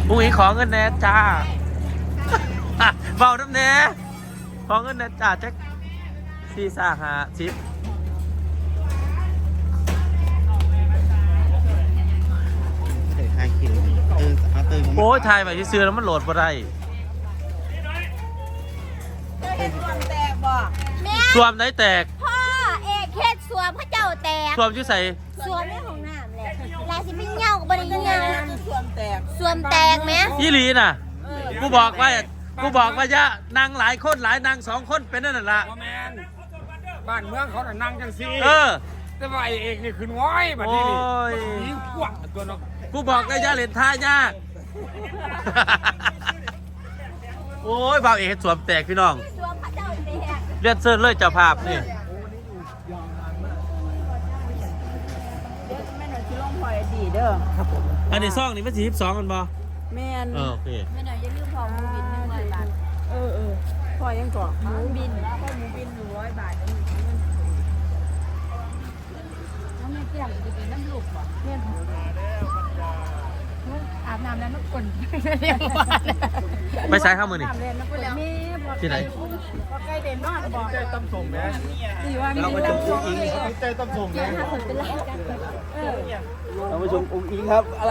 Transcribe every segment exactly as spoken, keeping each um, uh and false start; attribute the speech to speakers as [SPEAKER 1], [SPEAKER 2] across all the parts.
[SPEAKER 1] อุ้งอิงขอเงินแน่จ้าเบาน้ำแน่ขอเงินแน่จ้าแจ็คสี่สาหาสิบ
[SPEAKER 2] ใครคิดเออเอาเติม
[SPEAKER 1] โอ้ยถ่ายไปที่ซื้อแล้วมันโหลดมาได้สวมไหนแตก
[SPEAKER 3] พ่อเอกเฮ็ดสวมพระเจ้าแตก
[SPEAKER 1] สวมชื่อใส่
[SPEAKER 3] สวมในห้องน้ำแหละลายสิเป็นเงากับบริเงาสวมแตกสวมแตกไหม
[SPEAKER 1] ยี่หลีน่ะกูบอกว่ากูบอกว่ายะนางหลายคนหลายนางสองคนเป็นนั่นแหละ
[SPEAKER 4] แมนบ้านเมืองเขาน่ะนั่งจังซี่
[SPEAKER 1] เออ
[SPEAKER 4] แต่ว่าไอ้เอกนี่ขึ้นง้อยบัดนี้นี่
[SPEAKER 1] โอ้ย
[SPEAKER 4] ยิงกว้างตัวเนาะ
[SPEAKER 1] กูบอกได้ยะเล่นท่ายาก โอ้ยบ่าวเอกสวมแตกพี่น้อง
[SPEAKER 3] สวมพระเจ้าแตก
[SPEAKER 1] เลือดเซิร์เลยเจ้าภาพนี่
[SPEAKER 5] แม่หน่อยที่ลงพลอยดีเด้อ
[SPEAKER 1] อันนี้ซองนี่มันสี่สิบสองกันบ่
[SPEAKER 5] แม่น
[SPEAKER 1] เออโอเค
[SPEAKER 3] ไม่หน่อยอย่าลืมพอมูบินหนึ่งร้อยบาท
[SPEAKER 5] เออเออพลอยยังก่อ
[SPEAKER 3] หมูบิน
[SPEAKER 5] พลอยหมูบินหนึ่งร้อยบาท
[SPEAKER 3] น้องแม่เตี้ยมจะกินน้ำลูกบ่เพื่อนอาบน้ำแล้วน้ำก่นเรียกว่า
[SPEAKER 1] ไปใช้ข้าวมือนี่
[SPEAKER 5] น้ำเล่นน้ำเล่นแม่พอ
[SPEAKER 1] ที่ไหน
[SPEAKER 5] พอใกล้เด่นนอนบอก
[SPEAKER 4] ใจต้มส่งแม่
[SPEAKER 5] สี่วันเราไปชมอุ้งอิง
[SPEAKER 4] ใจต้มส่งแม่
[SPEAKER 3] ถ้าคนเป็นไรกัน
[SPEAKER 2] เราไปชมอุ้งอิงครับอะไร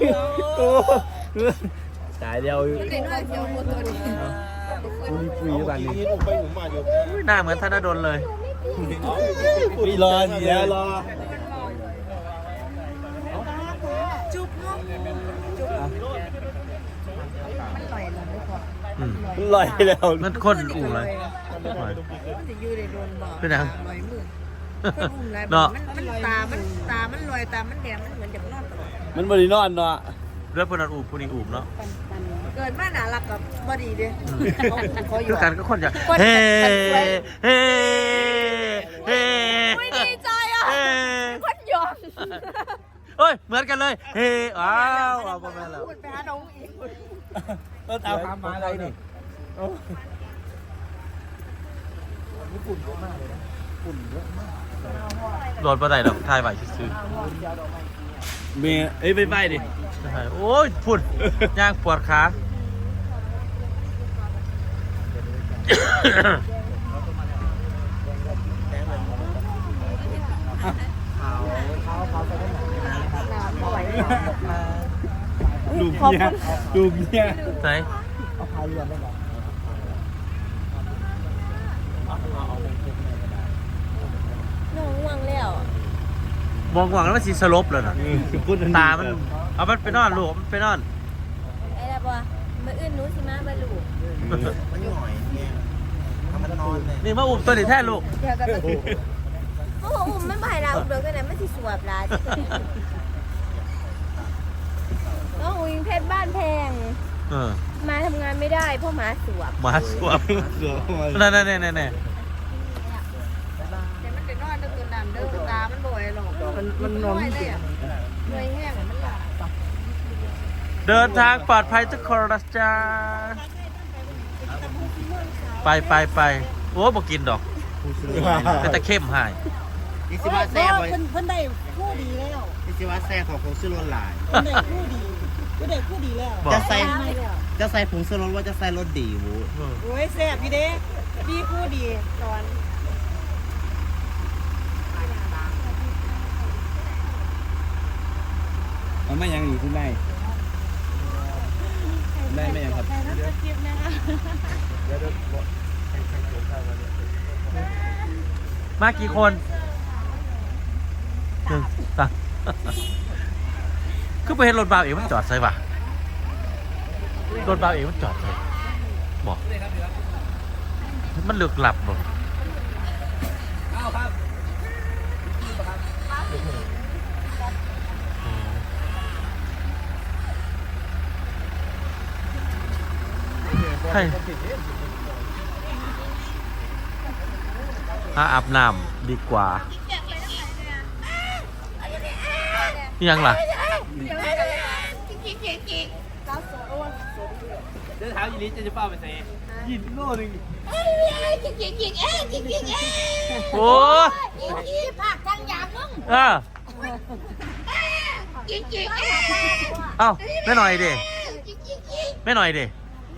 [SPEAKER 2] ตายเดียว
[SPEAKER 3] เด็กน้อยเสียวหมดตัวนี้
[SPEAKER 2] ปุยปุยบ้านนี้
[SPEAKER 1] อุ้ยหน้าเหมือนธนดลเลย
[SPEAKER 2] ปุยรอเดี๋ยวรอ
[SPEAKER 5] จุ๊บเนาะจุ๊บมันลอยลงไม่พอ
[SPEAKER 1] อืม
[SPEAKER 2] ลอยแล้ว
[SPEAKER 1] มันคนอู่เลย
[SPEAKER 5] มันจะอยู่ในโดนบ่อ
[SPEAKER 1] เป็นยัง
[SPEAKER 5] ลอยมือคนอุ้มไรมันมันตา มันตา มันลอยตา มันแดงมันเหมือนจะนอนตลอด
[SPEAKER 2] มันบริโนอนเนาะ
[SPEAKER 1] เลือดพนันอู่พนี้อู่เนาะ
[SPEAKER 5] เกิดมาหนารักกับบอดีเด้เขาอ
[SPEAKER 1] คื
[SPEAKER 5] ยู่
[SPEAKER 1] อกันก็คนอยากเฮ้เฮ้เฮ้
[SPEAKER 3] ไม่ดีใจอ่ะ
[SPEAKER 1] เฮ้
[SPEAKER 3] คนยอม
[SPEAKER 1] เฮ้ยเหมือนกันเลยเฮ้อ้าวเอาประมาณแล้ว
[SPEAKER 5] พูดไปหาน้องอีก
[SPEAKER 2] ต้นเอาทำมาอะไรนี่
[SPEAKER 1] โดนปลาไหลดอกทายไหวซื้อ
[SPEAKER 2] เมียเอ้ยไปไปดิ
[SPEAKER 1] โอ้ยพุ่นย่างปวดขา
[SPEAKER 2] ลูกเมียลูกเมีย
[SPEAKER 1] ไหน
[SPEAKER 3] น้องวังแล้ว
[SPEAKER 1] มองหวังแล้วมันสีสลบเลยนะตามันเอามันไปนอนลูกมันไปนอน
[SPEAKER 3] ไอ้ละบ่มืออื่นหนูสิมาบรรลุ
[SPEAKER 2] มันหน่อยเนี่ยถ้ามันนอนเลย
[SPEAKER 1] นี่มาอุ้มตัวนี้แท้ลูก
[SPEAKER 3] เดี๋ยวกันโอ้โหอุ้มมันบ่ให้เราอุ้มเดี๋ยวกันนะมันสิสวบลาน้องอุ้งเพชรบ้านแพง
[SPEAKER 1] เออ
[SPEAKER 3] มาทำงานไม่ได้เพราะหมาสวบ
[SPEAKER 1] มาสวม
[SPEAKER 2] เสือเข้ามา
[SPEAKER 1] นั่นนั่นนั่นนั่น
[SPEAKER 5] แต่มันจะนอนตัวน้ำเด้อตา มันลอยหรอกมันมันนอนเลยอ่ะลอยแห้งมันหลับ
[SPEAKER 1] เดินทางปลอดภัยทุกคนนะจ๊ะไปไปไปโอ้บอกกินดอกเป็นตะเข้มหาย
[SPEAKER 2] อิสิวะแซ่บไว้
[SPEAKER 5] เพิ่นเพิ่นได้คู่ดีแล้ว
[SPEAKER 2] อิสิวะแซ่บของผงชูรสหลาย
[SPEAKER 5] เพิ่นได้คู่ดีเพิ่นได้คู่ดีแล้ว
[SPEAKER 1] บอก
[SPEAKER 2] จะใส่จะใส่ผงชูรสว่าจะใส่รสดีวู
[SPEAKER 1] เออ
[SPEAKER 5] โอ้ยแซ่บพี่เด้ดีคู่ดีตอน
[SPEAKER 2] มันไม่ยังอยู่ที่ไหนได้ไม่ยังครับ
[SPEAKER 1] มากี่คนหนึ่งสามคือไปเห็นรถบาวเองมันจอดใส่ปะรถบาวเองมันจอดใส่บอกมันเลือกหลับบอกใช่ถ้าอาบน้ำดีกว่ายังล่ะ
[SPEAKER 4] เดี๋ยวถามยีริจะจะเป้าไปไหนยินโน่นึง
[SPEAKER 1] โอ้เออเอ้าไม่หน่อยดิไม่หน่อยดิ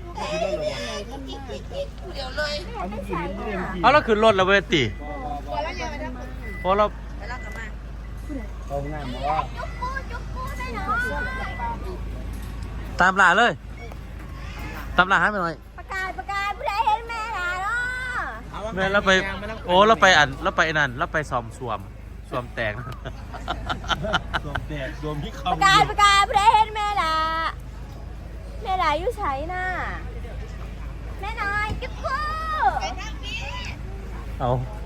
[SPEAKER 4] เอาเมื่อกี้นี่เรื่องจริง
[SPEAKER 1] เอาแล้วขึ้นรถแล้วเวทีพอเรา
[SPEAKER 4] เอาง่ายมาว่า
[SPEAKER 1] ตามหลาเลย ตามหลาให้ไปหน่อย
[SPEAKER 3] ประกาศประกาศผู้ใดเห็นแม่ล่ะเนาะ
[SPEAKER 1] แม่เราไปโอ้เราไปอันเราไปนั่นเราไปซ้อมสวมสวมแตก
[SPEAKER 4] รวมแตกรวมที่
[SPEAKER 3] ป
[SPEAKER 4] คำ
[SPEAKER 3] ระกาศประกาศผู้ใดเห็นแม่ล่ะแม่ล่ะอยู่ไสน่ะแม่น้อยกิ๊บกู้
[SPEAKER 1] เอา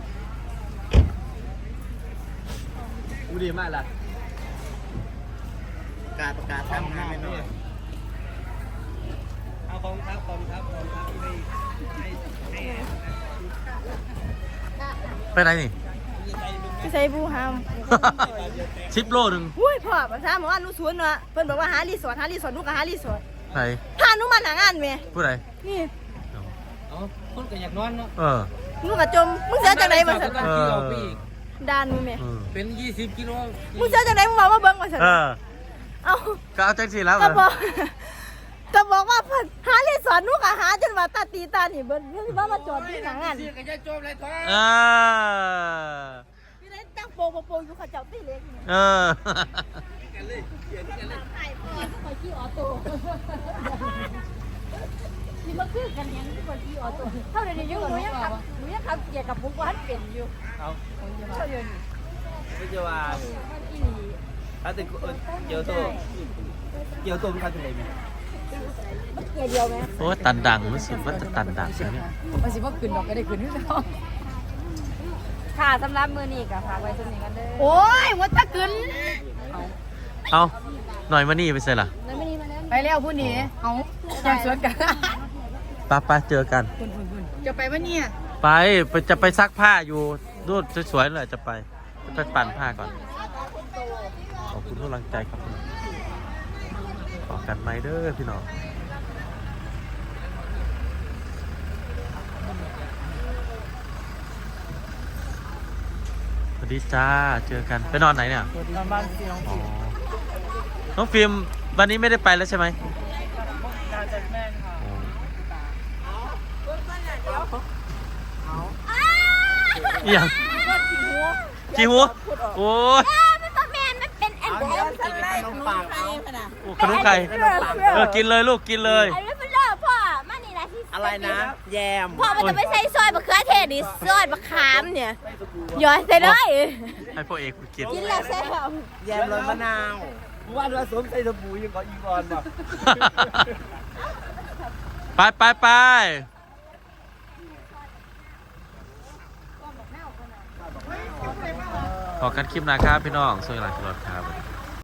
[SPEAKER 4] กูดีมากล่ะ
[SPEAKER 2] ประกาศประกาศทำงานไม่หน่อย
[SPEAKER 4] เอาของครับของครับของครับให้ให้ให้
[SPEAKER 1] ไปไหนนี่
[SPEAKER 5] พี่ใส่บูฮาม
[SPEAKER 1] ชิปโลหนึ่ง
[SPEAKER 5] อุ้ยพ่อภาษาหมู่บ้านหนูสวนเนาะเพิ่นบอกว่าหารีสอร์ทหารีสอร์ทหนูก็หารีสอร์ท
[SPEAKER 1] ไหน
[SPEAKER 5] พาหนูมาหางานแม่
[SPEAKER 1] ผู้ใด
[SPEAKER 5] นี่
[SPEAKER 4] เอาคนก็อยากนอนเนาะ
[SPEAKER 1] เออ
[SPEAKER 5] หนูก็จมมึงเสียจังไดบ่ซั่น
[SPEAKER 1] เออ
[SPEAKER 5] ด่านมึงแม่
[SPEAKER 1] เออ
[SPEAKER 4] เป็นยี่สิบกิโล
[SPEAKER 5] มึงเสียจังไดมึงบอกว่าเบิ่งว่าซั่น
[SPEAKER 1] เออ
[SPEAKER 5] เอ้า
[SPEAKER 1] ก็เอาแจ็คสีแล้ว
[SPEAKER 5] ก็บอกก็บอกว่าเพิ่นหารีสอร์ทหนูก็หาจนว่าตาตีตานี่เบิ่นเพิ่นว่ามาจอดที่หางาน
[SPEAKER 4] ก็จะจบเลยท้อ
[SPEAKER 1] เออ
[SPEAKER 5] พี่ได้ตั้งโปงโปงอยู่เขาเจ้าตีเล็กนี่
[SPEAKER 1] เออ
[SPEAKER 5] ไอ้พ่อก็ไปขี่ออโต้นี่มาคือกันยังที่คนขี่ออโต้เท่าเดี๋ยวนี้ยังหนูยังขับหนูยังขับเกียร์กับปุ๊กว่าเป็นอยู่
[SPEAKER 4] เอา
[SPEAKER 5] เท่าเดี๋ยวนี้
[SPEAKER 4] ไม่จะว่า
[SPEAKER 5] อีหลี
[SPEAKER 4] ถ้าถึงเกี่ยวตัวเกี่ยวตัวมันคันเป็นไรไหม
[SPEAKER 5] เกียร์เดียวไหม
[SPEAKER 1] โอ้ตันดังรู้สึกว่าจะตันดังนะเนี่ย
[SPEAKER 5] มันสิว่าขึ้นดอกก็ได้ขึ้นที่เนาะค่ะสำหรับมือนี้ก็ฝากไว้สำนี้กันเด้อโอ้ยว่าจะขึ้น
[SPEAKER 1] เอาหน่อยมานี่ไปใส่ล่ะ
[SPEAKER 5] ไปแล้วผู้นี้เอาแยกสวนกัน
[SPEAKER 1] ปะปะเจอกัน
[SPEAKER 5] จะไปวันนี้
[SPEAKER 1] ไปไปจะไปซักผ้าอยู่รูดสวยๆเลยจะไปจะไปปั่นผ้าก่อน ขอบคุณทุกกำลังใจครับขอกันไหมเด้อพี่น้องสวัสดีจ้าเจอกันไปนอนไหนเนี่ย
[SPEAKER 4] นอนบ้านพี่น้อง
[SPEAKER 1] อ๋อน้องฟิล์มวันนี้ไม่ได้ไปแล้วใช่ไหม
[SPEAKER 4] การจัดแม่ค่ะ
[SPEAKER 1] อหย่างกี่หัวโอ้ย
[SPEAKER 3] มันบ่แม่นมันเป็นอันเดียว
[SPEAKER 2] กินขนมปังเอา
[SPEAKER 1] โอ้ขนมไก่เออกินเลยลูกกินเลย
[SPEAKER 3] อันนี้เป็นเลิศพ่อมานี่นะที่
[SPEAKER 2] อะไรนะ แยม
[SPEAKER 3] พ่อมันจะไม่ใส่ซอยมะเขือเทศดิซอยมะขามเนี่ยหยอดใส่เลย
[SPEAKER 1] ให้พ่อเอกกิน
[SPEAKER 3] กินแล้วแซ่บ
[SPEAKER 2] แยมรสมะนาว
[SPEAKER 4] ว่าเราสวมใส่สบู่ยังก่ออีกอนบ่
[SPEAKER 1] ไปไปไปขอกันคลิปหนะครับพี่น้องสวัสดีครับ